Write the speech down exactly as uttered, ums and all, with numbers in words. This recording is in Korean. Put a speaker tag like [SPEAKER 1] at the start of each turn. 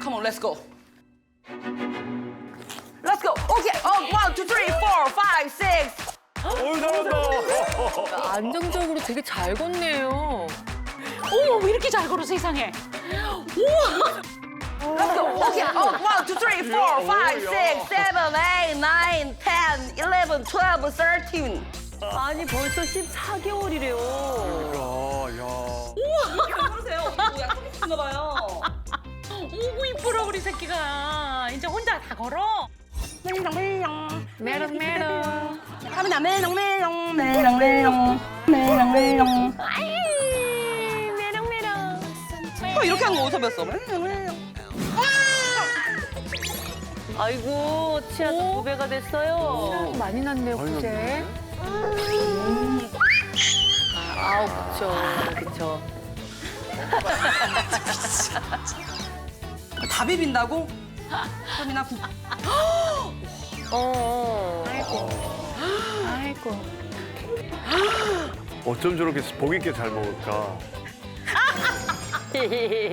[SPEAKER 1] Come on, let's go. Let's go. Okay. Oh, one, two, three, four, five, six.
[SPEAKER 2] 어우, 잘한다.
[SPEAKER 3] 안정적으로 되게 잘 걷네요.
[SPEAKER 4] 어머, 왜 이렇게 잘 걸어, 세상에. 우와.
[SPEAKER 1] Let's go. Okay. Oh, one, two, three, four, five, six, seven, eight, nine, ten, eleven, twelve, thirteen.
[SPEAKER 3] 아니 벌써 십사 개월이래요.
[SPEAKER 2] 야, 야.
[SPEAKER 1] 그러세요? 약속 있나 봐요.
[SPEAKER 4] 오구 이쁘라, 우리 새끼가. 이제 혼자 다 걸어.
[SPEAKER 1] 메롱 메롱.
[SPEAKER 3] 메롱 메롱.
[SPEAKER 1] 하민아 메롱 메롱 메롱 메롱 메롱 메롱.
[SPEAKER 3] 아이 메롱 메롱.
[SPEAKER 1] 어, 이렇게 하는 거 어디서 배웠어? 메롱 메롱.
[SPEAKER 3] 아이고 치아도 두 배가 됐어요. 많이 났네요
[SPEAKER 2] 많이
[SPEAKER 3] 그제.
[SPEAKER 2] 났네.
[SPEAKER 3] 아우 그쵸 그쵸.
[SPEAKER 1] 다 비빈다고? 하민아 국.
[SPEAKER 3] 어. 아이고. 아이고.
[SPEAKER 2] 어쩜 저렇게 복 있게 잘 먹을까?